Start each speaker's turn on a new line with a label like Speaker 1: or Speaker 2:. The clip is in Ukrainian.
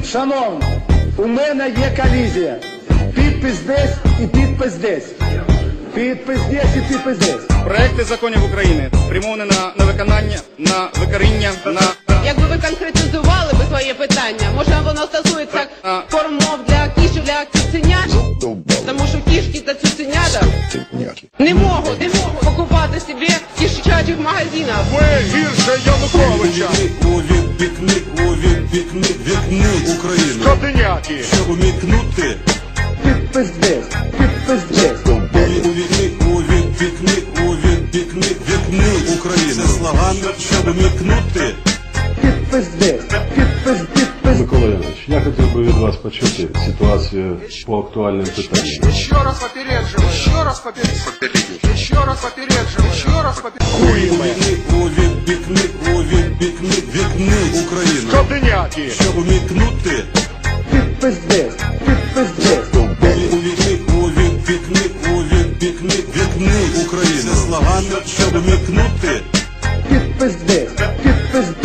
Speaker 1: Шановні, у мене є колізія. Підпис десь і підпис десь. Підпис десь і підпис десь.
Speaker 2: Проекти законів України спрямовані на виконання, на викоріння, на...
Speaker 3: Якби ви конкретизували би своє питання, може воно стосується кормов для кішок, для цуценят? Тому що кішки та цуценята не можуть покупати собі в кішачих магазинах.
Speaker 2: Ви гірше Януковича!
Speaker 4: Увікни Україну.
Speaker 2: Скотиняки!
Speaker 4: Щоб умікнути.
Speaker 1: Підпис десь, підпис десь.
Speaker 4: Увікни Україну. Це слоган, щоб умікнути.
Speaker 1: Підпис десь, підпис.
Speaker 5: Микола Янович, я хотів би від вас почути ситуацію по актуальним питанням.
Speaker 6: Еще раз попередживаю, еще раз попередживаю, еще раз попередживаю, еще раз попередживаю.
Speaker 4: Увікни Україну.
Speaker 2: Скотиняки!
Speaker 4: Щоб умікнути.
Speaker 1: Підпис десь, підпис десь.
Speaker 4: Увікни Україну. Це слоган, щоб умікнути.
Speaker 1: Підпис десь, підпис